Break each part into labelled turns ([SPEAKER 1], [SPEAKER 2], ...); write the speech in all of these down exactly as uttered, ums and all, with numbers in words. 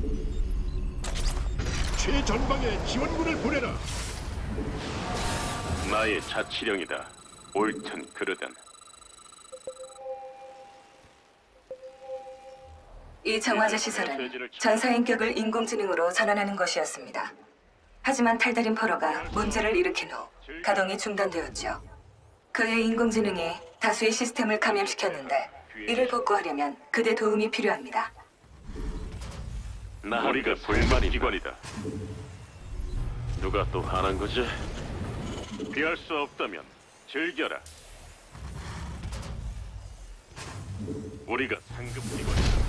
[SPEAKER 1] 최전방에 지원군을 보내라.
[SPEAKER 2] 나의 자치령이다. 옳든 그르든.
[SPEAKER 3] 이 정화제 시설은 전사인격을 인공지능으로 전환하는 것이었습니다. 하지만 탈다린 포로가 문제를 일으킨 후 가동이 중단되었죠. 그의 인공지능이 다수의 시스템을 감염시켰는데 이를 복구하려면 그대 도움이 필요합니다.
[SPEAKER 2] 우리가 불만 기관이다. 누가 또 화난 거지? 피할 수 없다면 즐겨라. 우리가 상급 기관이다.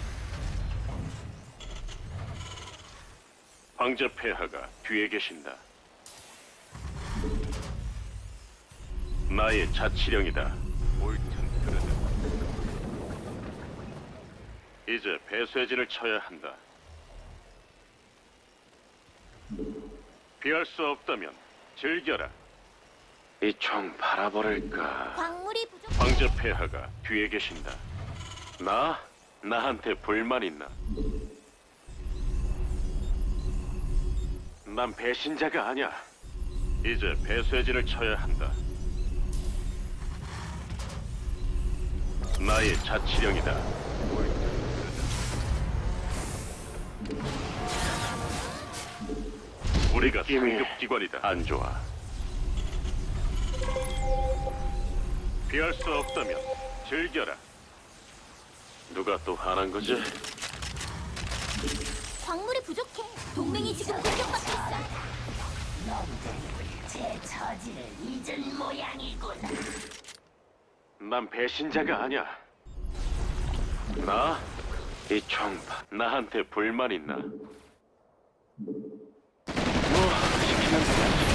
[SPEAKER 2] 황제 폐하가 뒤에 계신다. 나의 자치령이다. 옳든 그르든. 이제 배쇄진을 쳐야 한다. 피할 수 없다면 즐겨라. 이 총 바라버릴까?
[SPEAKER 4] 광물이 부족.
[SPEAKER 2] 황제 폐하가 뒤에 계신다. 나? 나한테 불만 있나? 난 배신자가 아니야. 이제 배쇄진을 쳐야 한다. 나의 자치령이다. 우리가 상급 기관이다. 안 좋아. 피할 수 없다면 즐겨라. 누가 또 화난 거지?
[SPEAKER 4] 광물이 부족해. 동맹이 지금 공격받고 있어.
[SPEAKER 5] 제 처지를 잊은 모양이구나.
[SPEAKER 2] 난 배신자가 아니야. 나? 이 총파 나한테 불만 있나? 뭐 시키는 거지.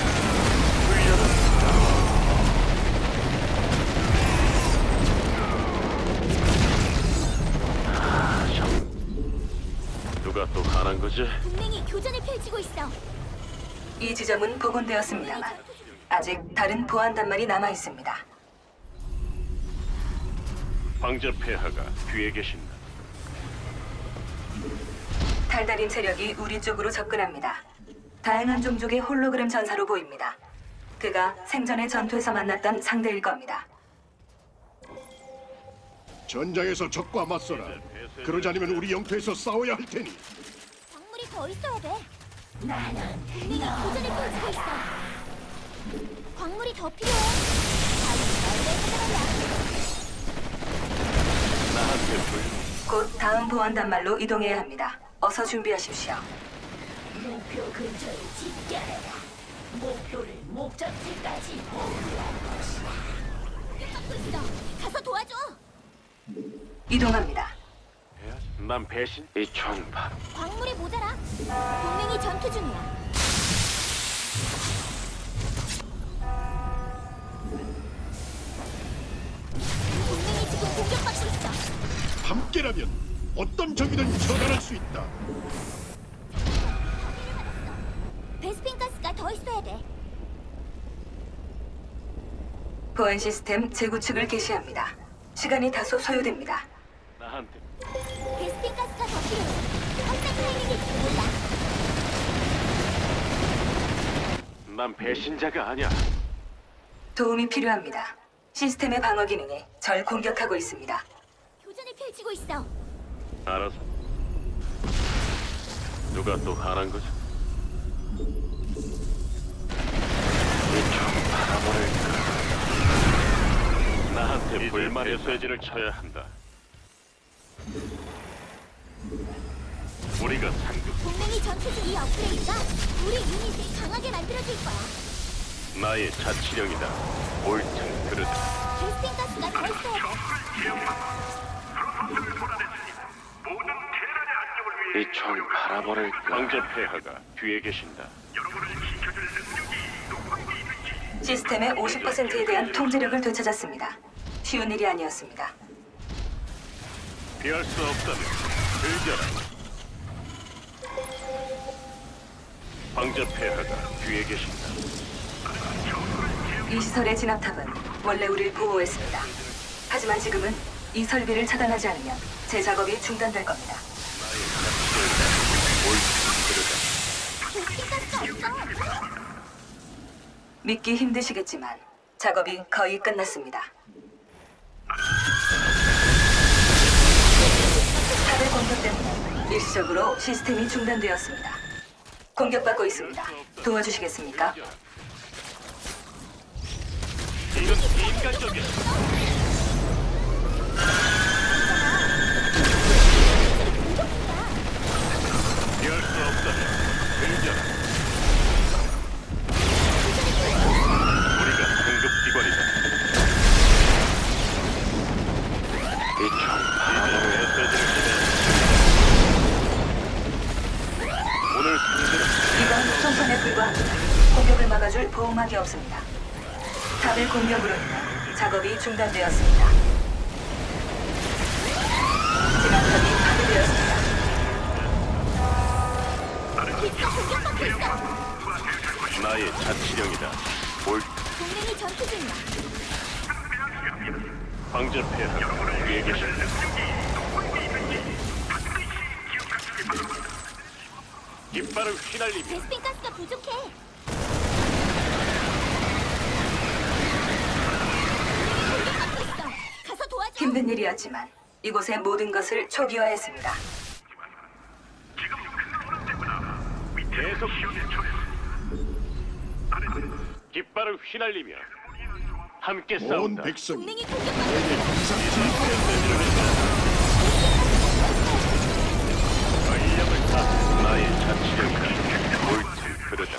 [SPEAKER 2] 아, 참. 누가 또 화난 거지?
[SPEAKER 4] 동맹이 교전을 펼치고 있어.
[SPEAKER 3] 이 지점은 복원되었습니다만 아직 다른 보안 단말이 남아 있습니다.
[SPEAKER 2] 황제 폐하가 뒤에 계신다.
[SPEAKER 3] 달달인 세력이 우리 쪽으로 접근합니다. 다양한 종족의 홀로그램 전사로 보입니다. 그가 생전의 전투에서 만났던 상대일 겁니다.
[SPEAKER 1] 전장에서 적과 맞서라. 그러지 않으면 우리 영토에서 싸워야 할 테니.
[SPEAKER 4] 광물이 더 있어야 돼.
[SPEAKER 5] 나는
[SPEAKER 4] 동맹이 교전을 펼치고 있어. 광물이 더 필요해. 빨리 널리 찾아가자.
[SPEAKER 2] 나한테 불.
[SPEAKER 3] 곧 다음 보안 단말로 이동해야 합니다. 어서 준비하십시오.
[SPEAKER 5] 목표 근처에 집결해라. 목표를 목적지까지 보유할 것이다.
[SPEAKER 4] 공격받고 있어. 가서 도와줘.
[SPEAKER 3] 이동합니다.
[SPEAKER 2] 난 배신? 이 총파
[SPEAKER 4] 광물이 모자라. 동맹이 전투 중이야. 동맹이 지금 공격받고 있어.
[SPEAKER 1] 함께라면 어떤 적이든 처단할 수 있다.
[SPEAKER 4] 베스핀 가스가 더 있어야 돼.
[SPEAKER 3] 보안 시스템 재구축을 개시합니다. 시간이 다소 소요됩니다.
[SPEAKER 2] 나한테
[SPEAKER 4] 베스핀 가스가 더 필요해. 확산 타이밍일지도 몰라.
[SPEAKER 2] 난 배신자가 아니야.
[SPEAKER 3] 도움이 필요합니다. 시스템의 방어 기능이 절 공격하고 있습니다.
[SPEAKER 4] 교전을 펼치고 있어.
[SPEAKER 2] 알아서. 누가 또 화난 거지? 이총 바라버릴까? 나한테 불만의 쇠지를 쳐야 한다. 우리가 상급
[SPEAKER 4] 동맹이 전투 중 이 업그레이드가 우리 유닛을 강하게 만들어줄 거야.
[SPEAKER 2] 나의 자치령이다. 옳든 그르든.
[SPEAKER 4] 베스핀 가스가 더 있어야 돼.
[SPEAKER 2] 이 총 바라버릴까? 황제 폐하가 뒤에 계신다.
[SPEAKER 3] 시스템의 오십 퍼센트에 대한 통제력을 되찾았습니다. 쉬운 일이 아니었습니다.
[SPEAKER 2] 피할 수 없다면 즐겨라. 황제 폐하가 뒤에 계신다.
[SPEAKER 3] 이 시설의 진압탑은 원래 우리를 보호했습니다. 하지만 지금은 이 설비를 차단하지 않으면 제 작업이 중단될 겁니다.
[SPEAKER 4] 베스핀 가스가 없어.
[SPEAKER 3] 믿기 힘드시겠지만 작업이 거의 끝났습니다. 탑의 공격 때문에 일시적으로 시스템이 중단되었습니다. 공격받고 있습니다. 도와주시겠습니까?
[SPEAKER 2] 이건 인간적이야. 피할 수 없다면 들려라. 우리가 상급기관이다. 이총 바로 메시지를 기대. 오늘 상대는
[SPEAKER 3] 이건 총선에 불과합니다. 공격을 막아줄 보호막이 없습니다. 탑의 공격으로 인해 작업이 중단되었습니다. 진압탑이 파괴되었습니다.
[SPEAKER 4] 기지가 공격받고 있어.
[SPEAKER 2] 나의 자치령이다. 올
[SPEAKER 4] 동맹이 전투 중이야.
[SPEAKER 2] 황제 폐하 위에 계신다. 깃발을 휘날리며
[SPEAKER 4] 베스핀 가스가 부족해. 공격받고 있어. 가서 도와줘.
[SPEAKER 3] 힘든 일이었지만 이곳의 모든 것을 초기화했습니다.
[SPEAKER 2] 계속 깃발을 휘날리며 함께
[SPEAKER 1] 온
[SPEAKER 2] 싸운다.
[SPEAKER 1] 백성이
[SPEAKER 4] 동맹이 공격받고 있어.
[SPEAKER 1] 내게 항상 지휘하여
[SPEAKER 2] 전력을 다 나의 자치령이다. 옳든 그르다.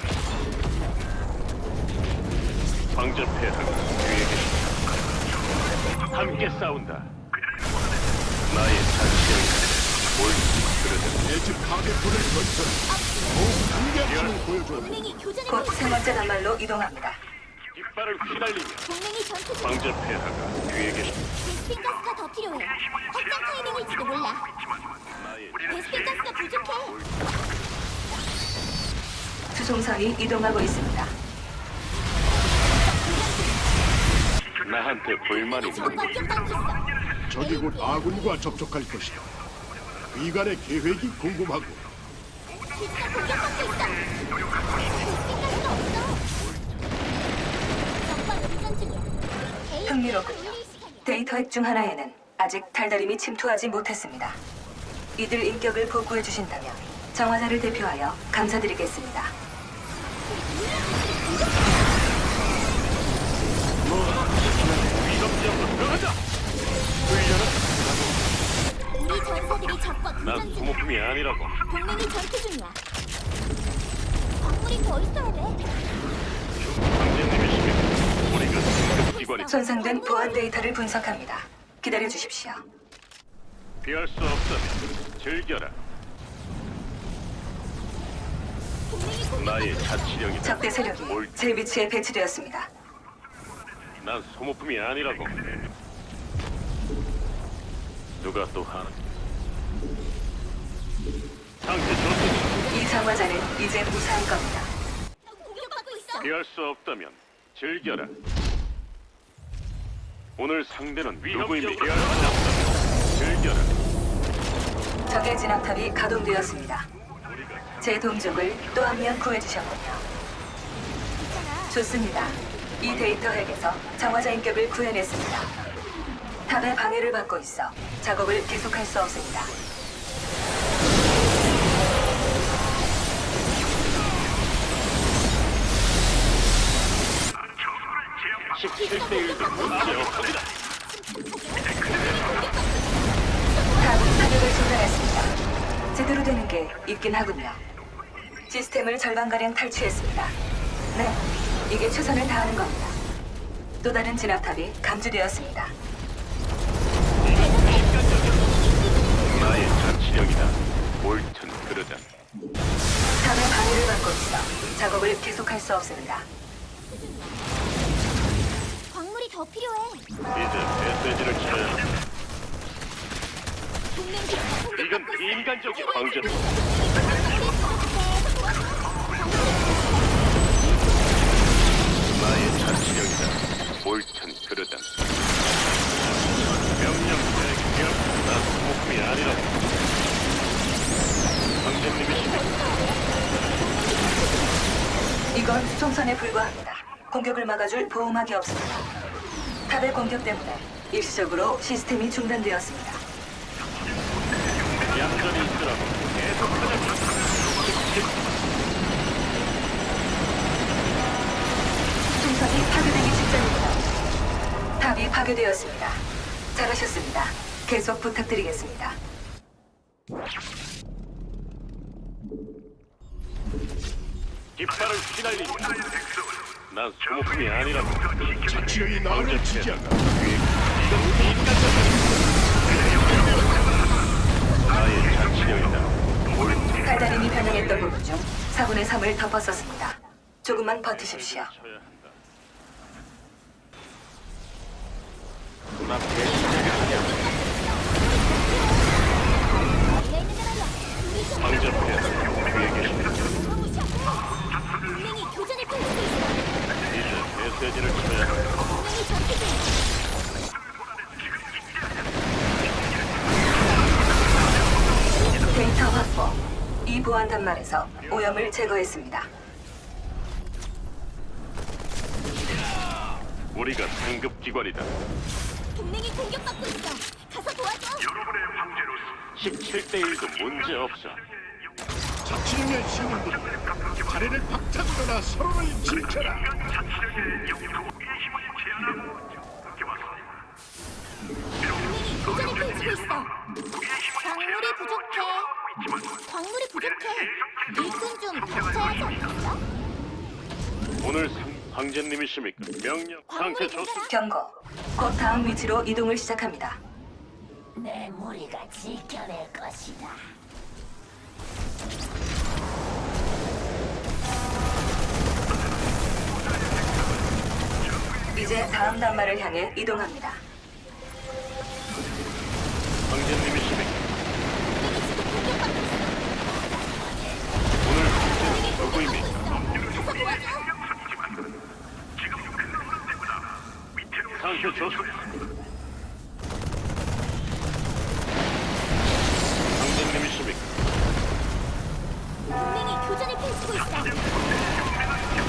[SPEAKER 2] 황제 폐하가 뒤에 계신다. 함께 싸운다. 나의 자치령이다. 옳든 그르다.
[SPEAKER 1] 내 집 가게포를 건설. 더욱 강력함을 보여줘.
[SPEAKER 4] 동맹이 교전을
[SPEAKER 3] 곧
[SPEAKER 4] 벌이고
[SPEAKER 3] 세 번째 단말로 이동합니다.
[SPEAKER 2] 깃발을 휘날리며
[SPEAKER 4] 동맹이 전투 중이야.
[SPEAKER 2] 황제 폐하가 뒤에 계신다.
[SPEAKER 4] 베스핀 가스가 더 필요해. 확장 타이밍일지도 몰라.
[SPEAKER 2] 나의
[SPEAKER 4] 베스핀 가스가 부족해.
[SPEAKER 3] 수송선이 이동하고 있습니다.
[SPEAKER 2] 나한테 불만이
[SPEAKER 4] 지금
[SPEAKER 2] 있는
[SPEAKER 4] 공격받고 있어.
[SPEAKER 1] 적이 곧 아군과 접촉할 것이다. 위관의 계획이 궁금하고
[SPEAKER 4] 기지가 공격받고 있어. 베스핀 가스가 없어. 적과 교전 중이야. 에이,
[SPEAKER 3] 흥미롭군요.
[SPEAKER 4] 올릴 시간이야.
[SPEAKER 3] 데이터 핵 중 하나에는 아직 달달임이 침투하지 못했습니다. 이들 인격을 복구해 주신다면 정화자를 대표하여 감사드리겠습니다.
[SPEAKER 2] 위협적으로 들어가자. 훈련은
[SPEAKER 4] 우리 전사들이 적과
[SPEAKER 2] 난
[SPEAKER 4] 교전 중이야.
[SPEAKER 2] 소모품이 아니라고.
[SPEAKER 4] 동맹이 전투 중이야. 광물이 더 있어야 돼.
[SPEAKER 2] 황제님이시면 우리가 상급기관이
[SPEAKER 3] 손상된 보안 데이터를 분석합니다. 기다려 주십시오.
[SPEAKER 2] 피할 수 없다면 즐겨라.
[SPEAKER 4] 동맹이 공격.
[SPEAKER 2] 나의 자치령이다.
[SPEAKER 3] 적대 세력이
[SPEAKER 2] 옳-
[SPEAKER 3] 제 위치에 배치되었습니다.
[SPEAKER 2] 난 소모품이 아니라고. 누가 또 하나? 상태 좋습니다.
[SPEAKER 3] 이 정화자는 이제 무사할 겁니다.
[SPEAKER 4] 공격받고 있어.
[SPEAKER 2] 피할 수 없다면 즐겨라. 오늘 상대는 누구임이 피할 수 없다면 즐겨라.
[SPEAKER 3] 적의 진압탑이 가동되었습니다. 제 동족을 또 한 명 구해주셨군요. 좋습니다. 이 데이터 핵에서 정화자 인격을 구해냈습니다. 탑의 방해를 받고 있어 작업을 계속할 수 없습니다.
[SPEAKER 2] 십칠 대 일 기억합니다.
[SPEAKER 3] 탑은 사격을 중단했습니다. 제대로 되는 게 있긴 하군요. 시스템을 절반가량 탈취했습니다. 네, 이게 최선을 다하는 겁니다. 또 다른 진압탑이 감지되었습니다.
[SPEAKER 2] 나의 자치령이다. 옳든 그르든.
[SPEAKER 3] 탑의 방해를 받고 있어 작업을 계속할 수 없습니다.
[SPEAKER 4] 광물이 더 필요해.
[SPEAKER 2] 이제 메시지를 쳐야 한다.
[SPEAKER 4] 동맹 기지가 공격받고
[SPEAKER 2] 이건
[SPEAKER 4] 있어.
[SPEAKER 2] 비인간적인 황제. 나의 자치령이다. 옳든 그르든. 명령 대기업. 난 소모품이 아니라고.
[SPEAKER 3] 이건 수송선에 불과합니다. 공격을 막아줄 보호막이 없습니다. 탑의 공격 때문에 일시적으로 시스템이 중단되었습니다.
[SPEAKER 2] 얌전히 있으라고. 계속하자.
[SPEAKER 3] 수송선이 파괴되기 직전입니다. 탑이 파괴되었습니다. 잘하셨습니다. 계속 부탁드리겠습니다.
[SPEAKER 2] 깃발을 휘날리며. 난 소모품이 아니라고.
[SPEAKER 1] 자치령이 나를 지지한다.
[SPEAKER 2] 이건 인간적인 나의 자치령이다.
[SPEAKER 3] 달달임이 변형했던 부분 중 사분의 삼을 덮었었습니다. 조금만 버티십시오.
[SPEAKER 2] 쳐야 한다. 나 배신자가 아니야.
[SPEAKER 4] 원래 있는 데 말이야. 우리 좀
[SPEAKER 2] 방전패야. 뒤에 계신다.
[SPEAKER 4] 무시하고. 동맹이 교전을 펼치고 있어.
[SPEAKER 2] 이제 메시지를 쳐야 한다.
[SPEAKER 4] 동맹이 전투 중.
[SPEAKER 3] 데이터 확보. 이 보안 단말에서 오염을 제거했습니다.
[SPEAKER 2] 우리가 상급 기관이다.
[SPEAKER 4] 동맹이 공격받고 있어. 가서 도와줘.
[SPEAKER 2] 십칠 대 일도 문제 없어.
[SPEAKER 1] 자치령의 신분들 자리를 박차거나 서로를 지켜라.
[SPEAKER 4] 동맹이 교전을 펼치고 있어. 광물이 부족해. 광물이 부족해. 일꾼 좀 닥쳐야지 않겠어?
[SPEAKER 2] 오늘 상, 황제님이십니까? 명령 상태 좋습니다.
[SPEAKER 3] 경고. 곧 다음 위치로 이동을 시작합니다.
[SPEAKER 5] 내 무리가 지켜낼 것이다.
[SPEAKER 3] 이제 다음 단말을 향해 이동합니다.
[SPEAKER 2] 황제님이십니까?
[SPEAKER 4] 동맹이 공격받고 있어.
[SPEAKER 2] 오늘 황제는 누구입니까?
[SPEAKER 4] 가서 도와줘.
[SPEAKER 2] 상태 좋습니다. 황제님이십니까?
[SPEAKER 4] 동맹이 교전을 펼치고 있어.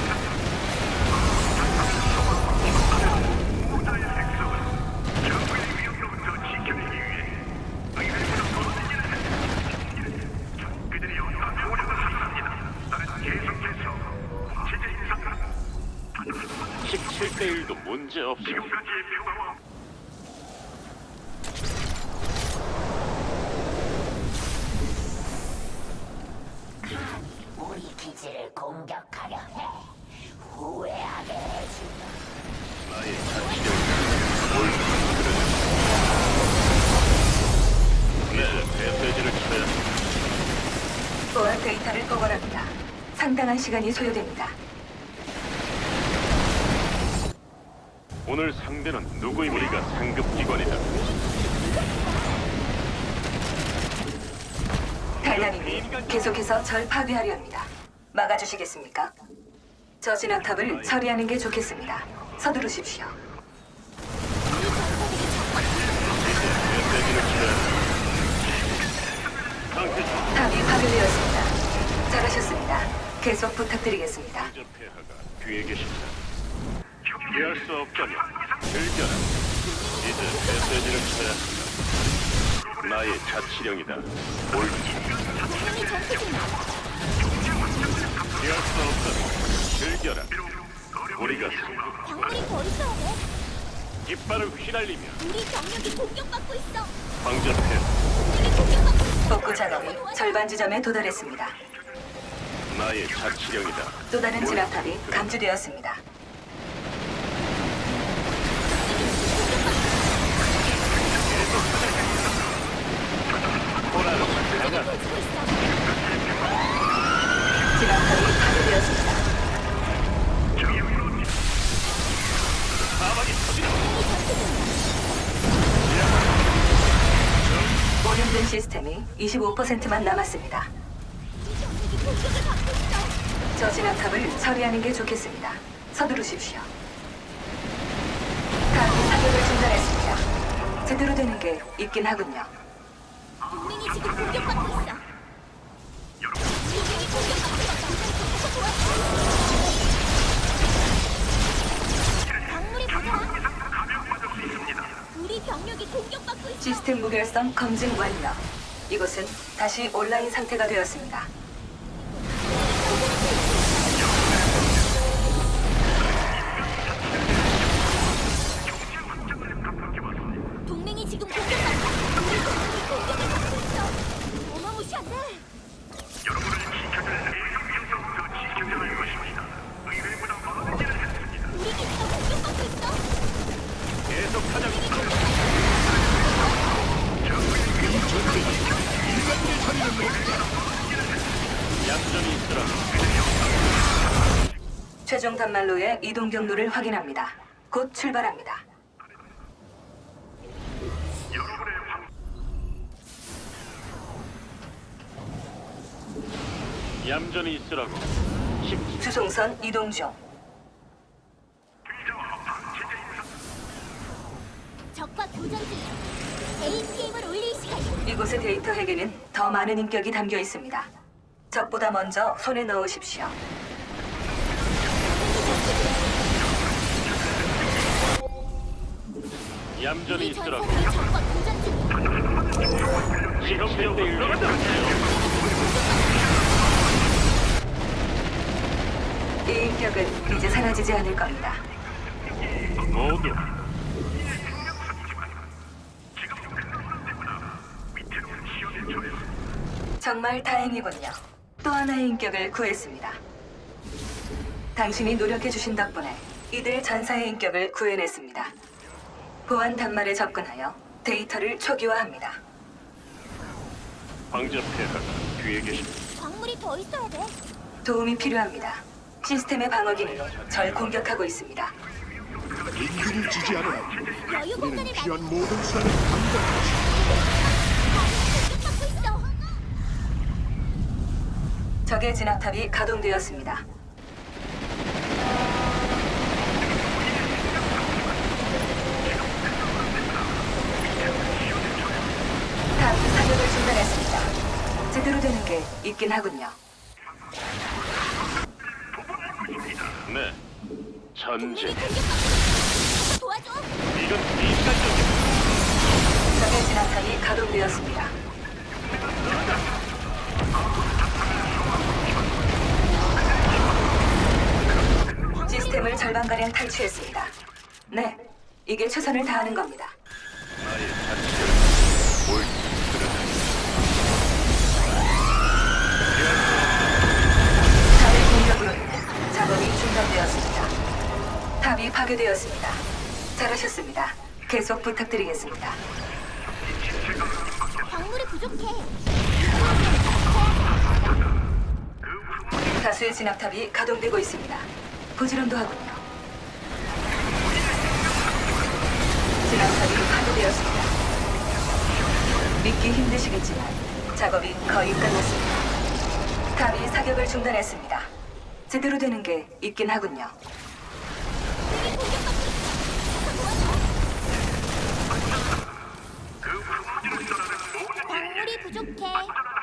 [SPEAKER 2] 십칠 대 일도 문제 없어.
[SPEAKER 5] 우리 기지를 공격하려 해. 후회하게 해주마.
[SPEAKER 2] 나의 자치령이다. 옳든 그르든. 이제 메시지를 쳐야 한다.
[SPEAKER 3] 보안 데이터를 복원합니다. 상당한 시간이 소요됩니다.
[SPEAKER 2] 오늘 상대는 누구입니까? 우리가 상급 기관이다.
[SPEAKER 3] 달달님이 계속해서 절 파괴하려 합니다. 막아주시겠습니까? 저 진압탑을 처리하는 게 좋겠습니다. 서두르십시오.
[SPEAKER 2] 메시지를 쳐야 한다. 상태 좋
[SPEAKER 3] 탑이 파괴되었습니다. 잘하셨습니다. 계속 부탁드리겠습니다.
[SPEAKER 2] 황제 폐하가 뒤에 계신다. 피할 수 없다면 즐겨라. 이제 메시지를 쳐야 한다. 나의 자치령이다. 옳든
[SPEAKER 4] 동맹이 전투 중이야.
[SPEAKER 2] 피할 수 없다면 즐겨라. 우리가 승부
[SPEAKER 4] 광물이 더 있어야 돼.
[SPEAKER 2] 깃발을 휘날리며
[SPEAKER 4] 우리 병력이 공격받고 있어.
[SPEAKER 2] 황제 폐하
[SPEAKER 4] 동맹이 공격받고 있어.
[SPEAKER 3] 복구 작업이 절반 지점에 도달했습니다.
[SPEAKER 2] 나의 자치령이다.
[SPEAKER 3] 또 다른 진압탑이 감지되었습니다.
[SPEAKER 2] 호라를 나가.
[SPEAKER 4] 펼치고 있어.
[SPEAKER 3] 진압탑이 파괴되었습니다.
[SPEAKER 2] 사막이 터지라.
[SPEAKER 3] 오염된 시스템이 이십오 퍼센트만 남았습니다.
[SPEAKER 4] 우리 병력이 공격을 받고 있어.
[SPEAKER 3] 저 진압탑을 처리하는 게 좋겠습니다. 서두르십시오. 탑이 사격을 중단했습니다. 제대로 되는 게 있긴 하군요.
[SPEAKER 4] 동맹이 지금 공격받고 있어. 동맹이 공격받고 있어. 가서 도와줘.
[SPEAKER 3] 시스템 무결성 검증 완료. 이곳은 다시 온라인 상태가 되었습니다.
[SPEAKER 4] 동맹이 지금 공격받다. 우리 동맹이 공격을 받고 있어. 어마무시한데. 우리 기지가 공격받고 있어.
[SPEAKER 2] 계속하자.
[SPEAKER 1] 이 전쟁이 인간의 자리는 없다.
[SPEAKER 2] 얌전히 있으라.
[SPEAKER 3] 최종 단말로의 이동 경로를 확인합니다. 곧 출발합니다.
[SPEAKER 2] 얌전히 있으라고. 십
[SPEAKER 3] 수송선 이동 중.
[SPEAKER 4] 적과 교전 중이야. 에이피엠을 올릴 시간이야.
[SPEAKER 3] 이곳의 데이터 핵에는 더 많은 인격이 담겨 있습니다. 적보다 먼저 손에 넣으십시오.
[SPEAKER 2] 얌전히
[SPEAKER 4] 우리
[SPEAKER 2] 있으라고.
[SPEAKER 4] 전사들이 적과 교전 중이야.
[SPEAKER 2] 지형대로 일어나.
[SPEAKER 3] 이 인격은 이제 사라지지 않을 겁니다.
[SPEAKER 2] 모두
[SPEAKER 3] 정말 다행이군요. 또 하나의 인격을 구했습니다. 당신이 노력해주신 덕분에 이들 전사의 인격을 구해냈습니다. 보안 단말에 접근하여 데이터를 초기화합니다.
[SPEAKER 2] 황제 폐하가 뒤에 계십니다.
[SPEAKER 4] 광물이 더 있어야 돼.
[SPEAKER 3] 도움이 필요합니다. 시스템의 방어 기능이 절 공격하고 있습니다.
[SPEAKER 1] 인류를 지지하라.
[SPEAKER 4] 여유
[SPEAKER 1] 우리는
[SPEAKER 4] 공간을
[SPEAKER 1] 필요한
[SPEAKER 4] 만들.
[SPEAKER 1] 모든 수단을 감당하지.
[SPEAKER 4] 공격받고 있어.
[SPEAKER 3] 적의 진압탑이 가동되었습니다. 탑 사격을 중단했습니다. 제대로 되는 게 있긴 하군요.
[SPEAKER 2] 네. 전제.
[SPEAKER 4] 동맹이 공격받고 있어. 도와줘.
[SPEAKER 2] 이건 비시간적이야.
[SPEAKER 3] 적의 진압탑이 가동되었습니다. 시스템을 절반가량 탈취했습니다. 네, 이게 최선을 다하는 겁니다.
[SPEAKER 2] 나의 자치를 옳지.
[SPEAKER 3] 탑의 공격으로 인해 작업이 중단되었습니다. 탑이 파괴되었습니다. 잘하셨습니다. 계속 부탁드리겠습니다.
[SPEAKER 4] 광물이 부족해.
[SPEAKER 3] 다수의 진압탑이 가동되고 있습니다. 부지런도 하군요. 진압탑이 파괴되었습니다. 믿기 힘드시겠지만 작업이 거의 끝났습니다. 탑이 사격을 중단했습니다. 제대로 되는 게 있긴 하군요.
[SPEAKER 4] 동맹이 공격받고 있어. 도와줘. 광물이 부족해.